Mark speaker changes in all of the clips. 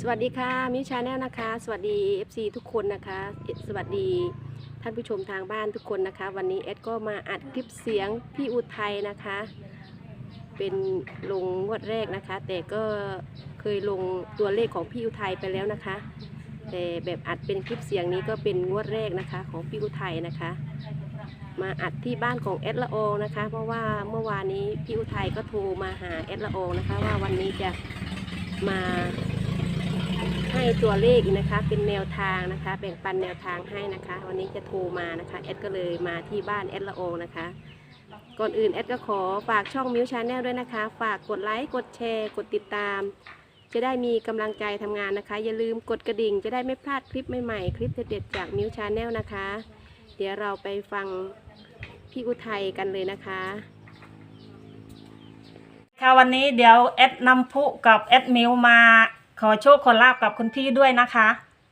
Speaker 1: วัสดีค่ะมิวชาแนลนะคะสวัสดี FC ทุกคนนะคะสวัสดีท่านผู้ชมทางบ้านทุกคนนะคะวันนี้เอดก็มาอัดคลิปเสียงพี่อุทัยนะคะเป็นลงงวดแรกนะคะแต่ก็เคยลงตัวเลขของพี่อุทัยไปแล้วนะคะแต่แบบอัดเป็นคลิปเสียงนี้ก็เป็นงวดแรกนะคะของพี่อุทัยนะคะมาอัดที่บ้านของเอดละอองนะคะเพราะว่าเมื่อวานนี้พี่อุทัยก็โทรมาหาเอดละอองนะคะว่าวันนี้จะมาให้ตัวเลขนะคะเป็นแนวทางนะคะแบ่งปันแนวทางให้นะคะวันนี้จะโทรมานะคะเอดก็เลยมาที่บ้านเอดละอองนะคะก่อนอื่นเอดก็ขอฝากช่องมิวชาแนลด้วยนะคะฝากกดไลค์กดแชร์กดติดตามจะได้มีกำลังใจทำงานนะคะอย่าลืมกดกระดิ่งจะได้ไม่พลาดคลิปใหม่ๆคลิปเด็ดๆจากมิวชาแนลนะคะเดี๋ยวเราไปฟังพี่อุทัยกันเลยนะคะ
Speaker 2: ค่ะวันนี้เดี๋ยวแอดนำพุกับแอดมิวมาขอโชคขอลาบกับคุณพี่ด้วยนะคะ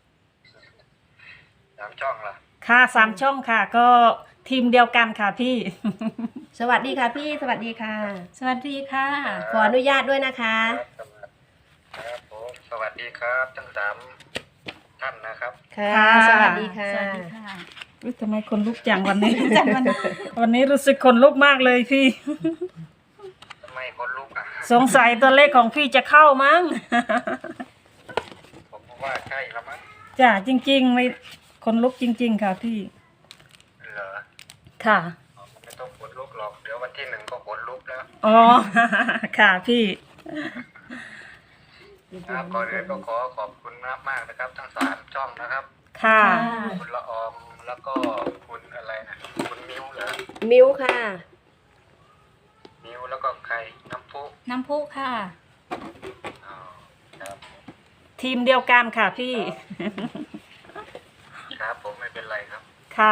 Speaker 3: 3 ช่องล่ะ
Speaker 2: ค่ะ3 ช่องค่ะก็ทีมเดียวกันค่ะพี่
Speaker 1: สวัสดีค่ะพี่สวัสดีค่ะ
Speaker 2: สวัสดีค่ะ
Speaker 1: ขออนุญาตด้วยนะคะ
Speaker 3: ครับผมสวัสดีครับทั้ง3ท่านนะครับ
Speaker 1: ค่ะสวัสดีค่ะ
Speaker 2: สวัสดีค่ะอุ๊ยทำไมคนลุกจังวันนี้ วันนี้รู้สึกคนลุกมากเลยพี่
Speaker 3: ทำไมคนลุกอ่ะ
Speaker 2: สงสัยตัวเลขของพี่จะเข้ามั้ง
Speaker 3: ผมว่าใช่ละมั้ง
Speaker 2: จ้ะจริงๆไม่คนลุกจริง ๆ ค่ะพี่
Speaker 3: เหรอ
Speaker 2: ค่ะ
Speaker 3: ไม่ต้องขนลุกหรอกเดี๋ยววันที่1ก็ขนลุกแล้ว
Speaker 2: อ๋อ ค่ะพี่
Speaker 3: ครับก่อนอื่นก็ขอขอบคุณมากๆนะครับ ทั้ง3ช่องนะครับ
Speaker 2: ค่ะ
Speaker 3: คุณละออมแล้วก็คุณอะไรนะคุณมิวเหรอ
Speaker 1: มิวค่ะ
Speaker 3: มิวแล้วก็ใครน้ำพุ
Speaker 2: น้ำพุค่ะ
Speaker 3: อ๋อครับ
Speaker 2: ทีมเดียวกันค่ะพี่
Speaker 3: ครับผมไม่เป็นไรครับ
Speaker 2: ค่ะ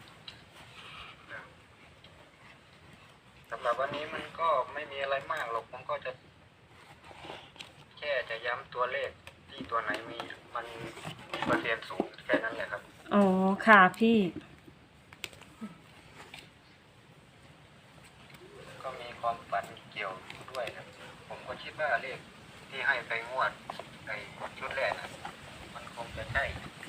Speaker 3: สำหรับวันนี้มันก็ไม่มีอะไรมากหรอกผมก็จะแค่จะย้ำตัวเลขที่ตัวไหนมีมันมีเปอร์เซ็นต์สูงแค่นั้นแหละครับ
Speaker 2: อ๋อ ค่ะพี่
Speaker 3: ก็มีความฝันเกี่ยวด้วยครับผมก็คิดว่าเลขที่ให้ไปงวดไอ้ชุดแรกนะมันคงจะใช่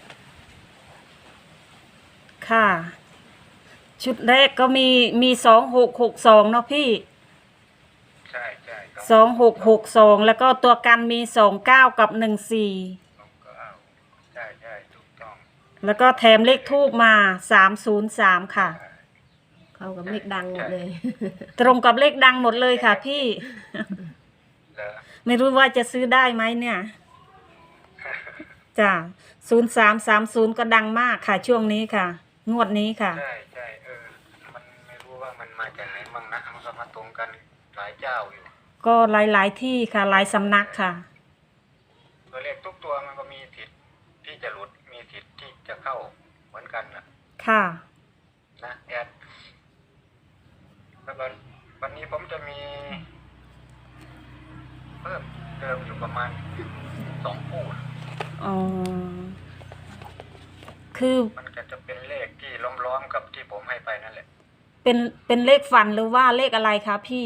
Speaker 2: ค่ะ ชุดแรกก็มี2662เนาะพี่
Speaker 3: ใช่ใช่ครับ
Speaker 2: 2662แล้วก็ตัวกันมี29กับ14
Speaker 3: ผมก็เอาใช่ใช่ถูกต้อง
Speaker 2: แล้วก็แถมเลขทูบมา303ค่ะ
Speaker 1: เข้ากับเลขดังหมดเลย
Speaker 2: ตรงกับเลขดังหมดเลยค่ะพี่
Speaker 3: เหรอ
Speaker 2: ไม่รู้ว่าจะซื้อได้ไหมเนี่ย จ้ะ0330ก็ดังมากค่ะช่วงนี้ค่ะ งวดนี้ค่ะ
Speaker 3: ใช่ใช่มันไม่รู้ว่ามันมาจากไหนมั่งนะมันก็มาตรงกันหลายเจ้าอยู่
Speaker 2: ก็หลายๆที่ค่ะหลายสำนักค่ะ
Speaker 3: ตัวเลขทุกตัวมันก็มีสิทธิ์ที่จะหลุดมีสิทธิ์ที่จะเข้าเหมือนกันนะ
Speaker 2: ค่ะ
Speaker 3: นะแอดแล้ววันนี้ผมจะมีเพิ่มเติมอยู่ประมาณ2 คู่นะ
Speaker 2: อ๋อ คือ
Speaker 3: มันก็จะเป็นเลขที่ล้อมๆกับที่ผมให้ไปนั่นแหละ
Speaker 2: เป็นเลขฝันหรือว่าเลขอะไรคะพี่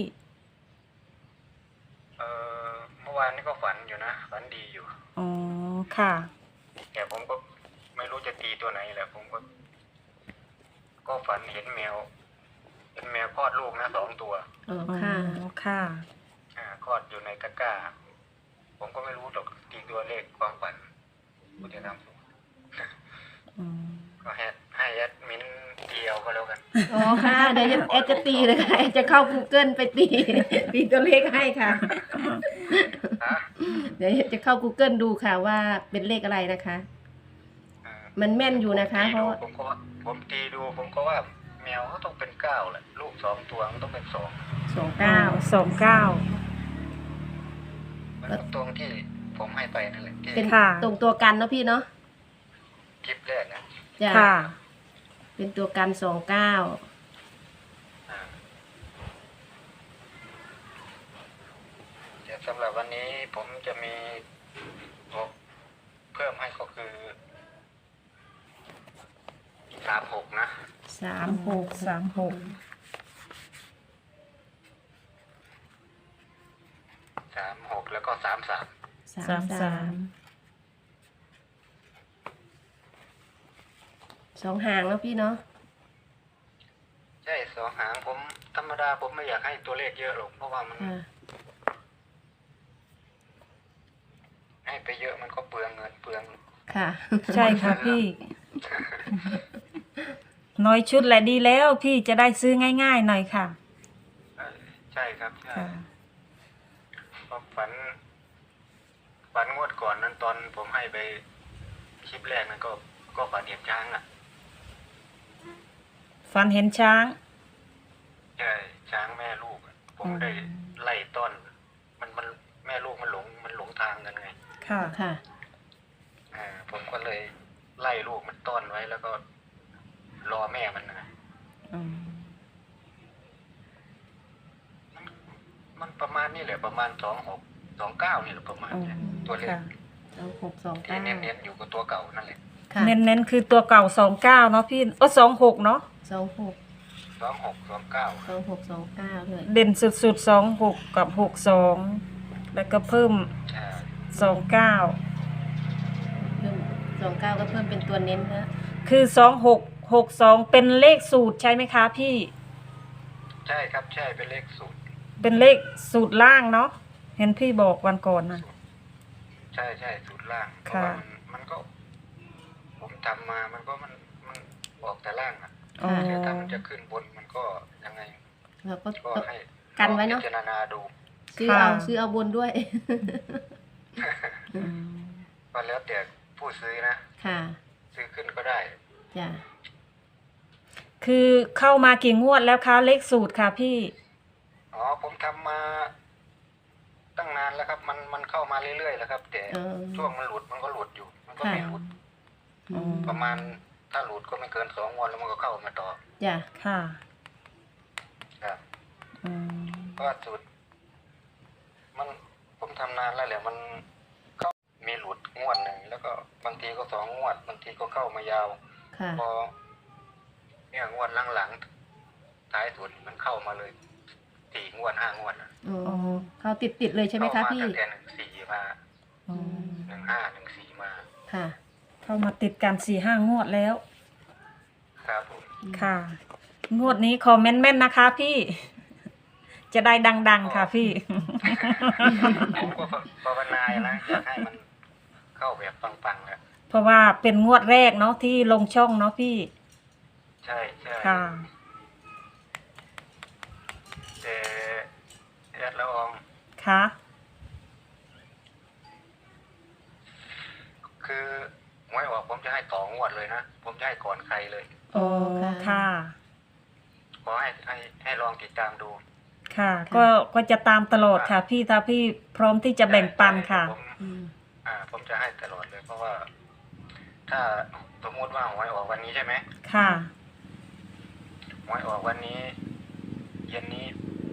Speaker 3: เมื่อวานนี้ก็ฝันอยู่นะฝันดีอยู่
Speaker 2: อ๋อ ค่ะ
Speaker 3: แต่ผมก็ไม่รู้จะตีตัวไหนแหละผมก็ฝันเห็นแมวคลอดลูกนะ2 ตัว
Speaker 1: อ๋อ
Speaker 2: อ๋อ
Speaker 1: ค่ะ
Speaker 2: ค่ะ
Speaker 3: คลอดอยู่ในตะกร้า ผมก็ไม่รู้หรอกตีตัวเลขความฝันกูจะทำ
Speaker 2: อืม
Speaker 3: ก็ให้แอดมินเดียวก็แล้วกัน
Speaker 1: อ๋อค่ะเดี๋ยวเอดจะตีเลยค่ะเอดจะเข้า Google ไปตี ตีตัวเลขให้ค่ะ
Speaker 3: ฮะ
Speaker 1: เดี๋ยวเอดจะเข้า Google ดูค่ะว่าเป็นเลขอะไรนะคะ มันแม่นอยู่นะคะ เพราะว่า
Speaker 3: ผมตีดูผมก็ว่าแมวเขาต้องเป็น9แหละลูก2 ตัวมันต้องเป็น2
Speaker 2: 29
Speaker 3: มันก็ตรงที่ผมให้ไปนั่นแหละที่
Speaker 1: เป็น
Speaker 2: ค่ะ
Speaker 1: ตรงตัวกันเนาะพี่เนาะ
Speaker 3: คลิปแรกนะ
Speaker 1: จ้ะ
Speaker 2: ค่ะ
Speaker 1: เป็นตัวกัน29
Speaker 3: อ่าแต่สำหรับวันนี้ผมจะมีเพิ่มให้ก็คือ36นะ
Speaker 1: 36
Speaker 2: 36
Speaker 3: 36แล้วก็33
Speaker 1: 33 2 หางแล้วพี่เนาะ
Speaker 3: ใช่สองหางผมธรรมดาผมไม่อยากให้ตัวเลขเยอะหรอกเพราะว่ามัน
Speaker 1: ค่ะ
Speaker 3: ให้ไปเยอะมันก็เปลืองเงินเปลือง
Speaker 1: ค่ะ
Speaker 2: ใช่ค่ะพี่ น้อยชุดแหละดีแล้วพี่จะได้ซื้อง่ายๆหน่อยค่ะ
Speaker 3: ใช่ครับใช่
Speaker 2: ค่ะ
Speaker 3: ผมฝันงวดก่อนนั้นตอนผมให้ไปคลิปแรกนั้นก็ฝันเห็นช้างอ่ะ
Speaker 2: ฝันเห็นช้าง
Speaker 3: ใช่ช้างแม่ลูกอะผมได้ไล่ต้อนมันแม่ลูกมันหลงทางกันไง
Speaker 2: ค่ะ
Speaker 1: ค่ะ
Speaker 3: ผมก็เลยไล่ลูกมันต้อนไว้แล้วก็รอแม่มันนะ
Speaker 2: อืม
Speaker 3: มันประมาณนี่แหละประมาณ2629นี่แหละประมาณเนี่ยตัวเลข
Speaker 2: ค่ะ
Speaker 1: 2629
Speaker 3: ที่เน้นๆอยู่กับตัวเก่านั่นแหละ
Speaker 1: ค่ะ
Speaker 2: เน้นๆคือตัวเก่า29เนาะพี่26เนาะ
Speaker 1: 26
Speaker 3: 2629
Speaker 1: 2629ด้วย
Speaker 2: เด่นสุดๆ26กับ62แล้วก็เพิ่ม 29
Speaker 1: เพิ่ม29ก็เพิ่มเป็นตัวเน้นนะ
Speaker 2: คือ2662เป็นเลขสูตรใช่ไหมคะพี่
Speaker 3: ใช่ครับใช่เป็นเลขสูตร
Speaker 2: เป็นเลขสูตรล่างเนาะเห็นพี่บอกวันก่อนนะ
Speaker 3: ใช่สูตรล่างเพราะ
Speaker 2: ค่ะ
Speaker 3: ว่ามันก็ ผมทำมามันออกแต่ล่างอ่ะ
Speaker 2: อ๋อ
Speaker 3: แต่ถ้ามันจะขึ้นบนมันก็ยังไง
Speaker 1: แล้วก็
Speaker 3: ก็ให้
Speaker 1: กันไว้เนอะ
Speaker 3: พิจารณาดู
Speaker 1: ซื้อเอาบนด้วย
Speaker 2: อืม
Speaker 3: ก็แล้วแต่ผู้ซื้อนะ
Speaker 1: ค่ะ
Speaker 3: ซื้อขึ้นก็ได้
Speaker 1: จ้ะ
Speaker 2: คือเข้ามากี่งวดแล้วคะเลขสูตรค่ะพี่
Speaker 3: อ๋อผมทำมาตั้งนานแล้วครับ มันเข้ามาเรื่อยๆแล้วครับ แต่ ช่วงมันหลุดมันก็หลุดอยู่ มันก็ไม่หลุด
Speaker 1: อืม
Speaker 3: ประมาณถ้าหลุดก็ไม่เกิน2 วันแล้วมันก็เข้ามาต่อ
Speaker 1: จ้ะ
Speaker 2: ค่ะ
Speaker 3: ครับ
Speaker 2: อืม
Speaker 3: เพราะว่าสูตรมันผมทำนานแล้วแหละมันเข้ามีหลุดงวดหนึ่งแล้วก็บางทีก็2 งวดบางทีก็เข้ามายาว
Speaker 1: ค่ะ
Speaker 3: พอเนี่ยงวดหลังๆท้ายสุดมันเข้ามาเลย4 งวด 5 งวดนะ
Speaker 1: อ๋อเขาติดเลยใช่ไหมคะพี่
Speaker 3: เข้ามาตั้งแต่14มา
Speaker 2: อืม
Speaker 3: 15 14มา
Speaker 1: ค่ะ
Speaker 2: เข้ามาติดกัน4-5 งวดแล้ว
Speaker 3: ครับผม
Speaker 2: ค่ะ งวดนี้คอมเมนต์แม่นนะคะพี่ จะได้ดังๆค่ะพี่
Speaker 3: ผมก็ภาวนาอยู่นะอยากให้มันเข้าแบบปังๆแหละ
Speaker 2: เพราะว่าเป็นงวดแรกเนาะที่ลงช่องเนาะพี่
Speaker 3: ใช่ใช่
Speaker 2: ค่ะ
Speaker 3: แต่แอดละออง
Speaker 2: ค่ะ
Speaker 3: คือหวยออกผมจะให้ต่องวดเลยนะผมจะให้ก่อนใครเลย
Speaker 2: โอ้ค่ะ
Speaker 3: ขอให้ลองติดตามดู
Speaker 2: ค่ะ ก็จะตามตลอดค่ะ พี่ถ้าพี่พร้อมที่จะแบ่งปันค่ะ
Speaker 1: อืม
Speaker 3: ผมจะให้ตลอดเลย เพราะว่า ถ้าสมมติว่าหวยออกวันนี้ใช่ไหม
Speaker 2: ค่ะ
Speaker 3: หวยออกวันนี้ เย็นนี้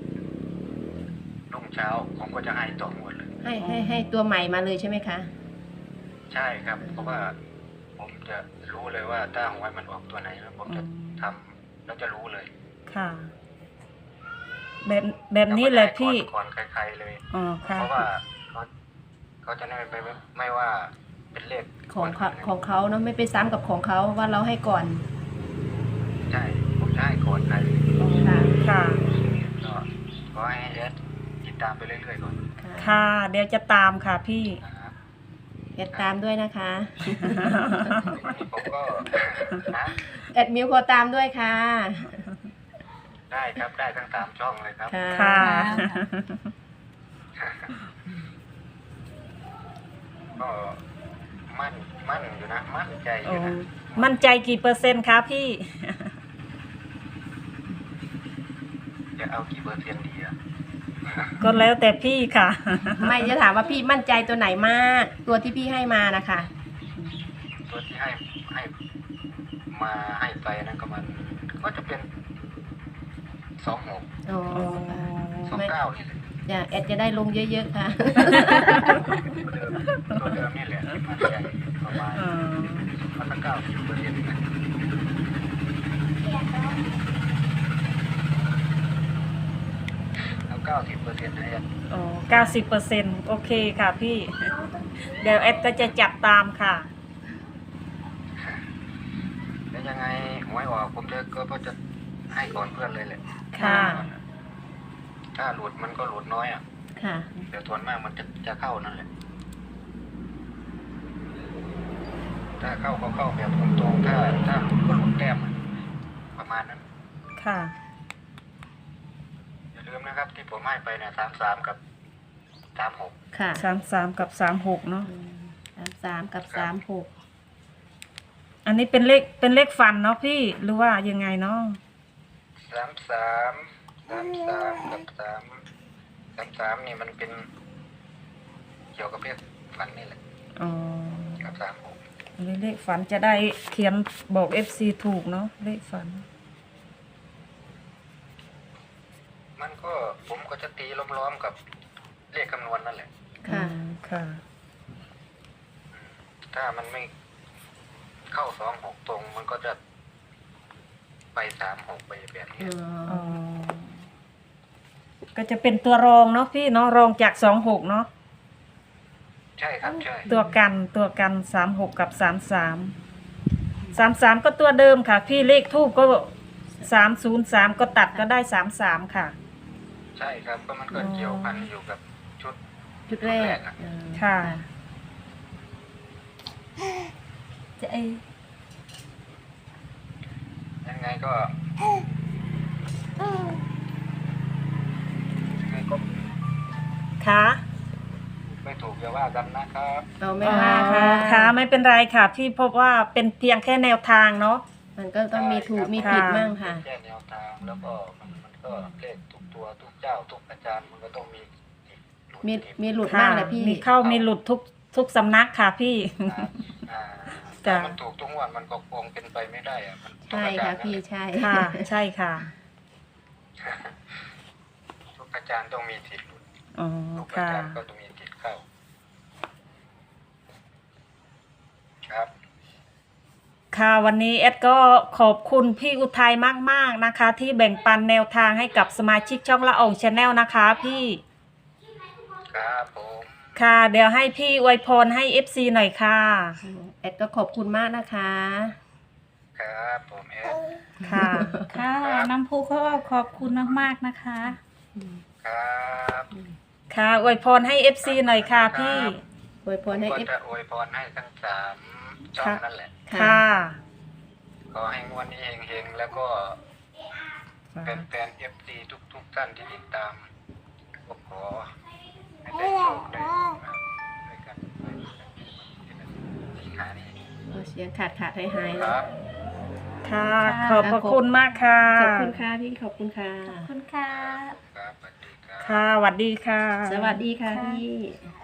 Speaker 3: รุ่งเช้า ผมก็จะให้ต่องวดเลย
Speaker 1: ให้ตัวใหม่มาเลยใช่ไหมคะ
Speaker 3: ใช่ครับ เพราะว่าผมจะรู้เลยว่าถ้าหวยมันออกตัวไหนแล้วผมจะทำแล้วจะรู้เลย
Speaker 2: ค่ะ แบบนี้เลยพี่
Speaker 3: ก่อนใครๆเลย
Speaker 2: อ๋อค่ะ
Speaker 3: เพราะว่าเขาจะไม่ว่าเป็นเลข
Speaker 1: ของเขาเนาะไม่ไปซ้ำกับของเขาว่าเราให้ก่อน
Speaker 3: ใช่ผมจะให้ก่อนใคร
Speaker 1: ค่ะ
Speaker 2: ค่ะ
Speaker 3: ก็ขอให้แอดติดตามไปเรื่อยๆก่อน
Speaker 2: ค่ะ เดี๋ยวจะตามค่ะพี่
Speaker 3: นะครับ
Speaker 1: แอดตามด้วยนะคะ
Speaker 3: วันนี้ผมก็นะ
Speaker 1: แอดมิวขอตามด้วยค่ะ
Speaker 3: ได้ครับได้ทั้ง3 ช่องเลยครับ
Speaker 2: ค่ะ
Speaker 3: ก็มั่นอยู่นะมั่นใจอ
Speaker 2: โอ้
Speaker 3: ยู่นะ
Speaker 2: มั่นใจกี่เปอร์เซ็นต์คะพี่
Speaker 3: จะเอากี่เปอร์เซ็นต์ดีอะ
Speaker 2: ก็แล้วแต่พี่ค่ะ
Speaker 1: ไม่จะถามว่าพี่มั่นใจตัวไหนมาก ตัวที่พี่ให้มานะคะ
Speaker 3: ตัวที่ให้มาให้ไปนั่นก็จะเป็น26
Speaker 1: อ๋อ
Speaker 3: 29นี่แหละ
Speaker 1: จะแอดจะได้ลงเยอะๆค่ะ
Speaker 3: ตัวเดิมนี่แหละที่มันใหญ่ประมาณมันสัก90%นะเอา90%นะแอด
Speaker 2: โอ้90%โอเคค่ะพี่ เดี๋ยวแอดก็จะจับตามค่ะ
Speaker 3: แต่แต่ยังไงหวยออกผมก็จะให้ก่อนเพื่อนเลยแหละ
Speaker 2: ค่ะ
Speaker 3: ถ้าหลุดมันก็หลุดน้อยอ่ะ
Speaker 1: ค่ะ
Speaker 3: เดี๋ยวส่วนมากมันจะเข้านั่นแหละถ้าเข้าก็เข้าแบบตรงๆถ้าหลุดก็หลุดแต้มอะประมาณนั้น
Speaker 2: ค่ะ
Speaker 3: อย่าลืมนะครับ ที่ผมให้ไปเนี่ย33กับ36
Speaker 1: ค่ะ
Speaker 2: 33 กับ 36เนาะ
Speaker 1: 33 กับ 36
Speaker 2: อันนี้เป็นเลขฟันเนาะพี่หรือว่ายังไงเนาะ
Speaker 3: 33กับ33นี่มันเป็นเกี่ยวกับเพศฝันนี่แหละ
Speaker 2: อ๋อ
Speaker 3: กับ36
Speaker 2: อันนี้เลขฝันจะได้เขียนบอก FC ถูกเนาะเลขฝัน
Speaker 3: มันก็ผมก็จะตีล้อมๆกับเลขคำนวณนั่นแหละ
Speaker 1: ค่ะ
Speaker 2: ค่ะ
Speaker 3: ถ้ามันไม่เข้า26ตรงมันก็จะไป36ไปแบบนี้
Speaker 2: อ๋อ ก็จะเป็นตัวรองเนาะพี่เนาะรองจาก26เนาะ
Speaker 3: ใช่ครับใช่
Speaker 2: ตัวกัน36กับ33ก็ตัวเดิมค่ะ พี่เลขทูปก็303ก็ตัดก็ได้33ค่ะ
Speaker 3: ใช่ครับก็มันก็เกี่ยวพันอยู่กับชุด
Speaker 1: จุดแรก
Speaker 2: ค่ะ
Speaker 1: จะไอ
Speaker 3: ยังไงก็ยังไงก็
Speaker 2: ค่ะ
Speaker 3: ไม่ถูกอย่าว่ากันนะครับ
Speaker 1: เราไม่ว่าค่ะ
Speaker 2: ค่ะไม่เป็นไรค่ะ พี่เพราะว่าเป็นเพียงแค่แนวทางเนาะ
Speaker 1: มันก็ต้องมีถูกมีผิดมั่งค่ะ
Speaker 3: แค่แนวทางแล้วก็มันก็เลขทุกตัวทุกเจ้าทุกอาจารย์มันก็ต้องมีหลุด
Speaker 1: มีหลุด
Speaker 2: ค่ะ
Speaker 1: บ้างแหละพี่
Speaker 2: มีเข้ามีหลุดทุกสำนักค่ะพี่
Speaker 3: อ่า
Speaker 2: จ้ะ
Speaker 3: ถ้ามันถูกทุกงวันมันก็คงเป็นไปไม่ได้อะมันทุก
Speaker 1: ใช่
Speaker 3: อาจาร
Speaker 1: ค่ะ
Speaker 3: ย์
Speaker 1: พี่
Speaker 3: นั่นแหละ
Speaker 1: ใช่
Speaker 2: ค่ะ ใช่ค่ะ
Speaker 3: ทุกอาจารย์ต้องมีสิทธิ์หลุด
Speaker 2: อ๋อ
Speaker 3: ทุกอา
Speaker 2: ค่ะ
Speaker 3: จารย์ก็ต้องมีสิทธิ์เข้าครับ
Speaker 2: ค่ะวันนี้แอดก็ขอบคุณพี่อุทัยมากๆนะคะ ที่แบ่งปันแนวทางให้กับสมาชิกช่องละอองชาแนลนะคะพี่
Speaker 3: ครับผม
Speaker 2: ค่ะ เดี๋ยวให้พี่อวยพรให้ FC หน่อยค่ะ
Speaker 1: แอดก็ขอบคุณมากนะคะ
Speaker 3: ครับผมแอด
Speaker 2: ค่ะ
Speaker 4: ค่ะน้ำพุก็ขอบคุณมากๆนะคะ
Speaker 3: ครับ
Speaker 2: ค่ะอวยพรให้ FC หน่อยค่ะพี่
Speaker 1: อวยพรให้
Speaker 3: ก็
Speaker 1: เอฟ
Speaker 3: จะอวยพรให้ทั้ง3ช่องนั่นแหละ
Speaker 2: ค่ะ
Speaker 3: ขอให้งวดนี้เฮงๆแล้วก็แฟนๆ FC ทุกท่านที่ติดตามก็ขอให้ได้โชคได้ด้วยกันสิงหานี้
Speaker 1: เสียงขาดหายหาย
Speaker 3: ค
Speaker 1: แล้ว
Speaker 3: รับ
Speaker 2: ค่ะ ขอบพระคุณมากค่ะ
Speaker 1: ขอบคุณค่ะพี่ขอบคุณค่ะ
Speaker 4: ขอบคุณค่ะ
Speaker 3: ครับสวัสดีครับ
Speaker 2: ค่ะสวัสดีค่ะ
Speaker 1: สวัสดีค่ะพี่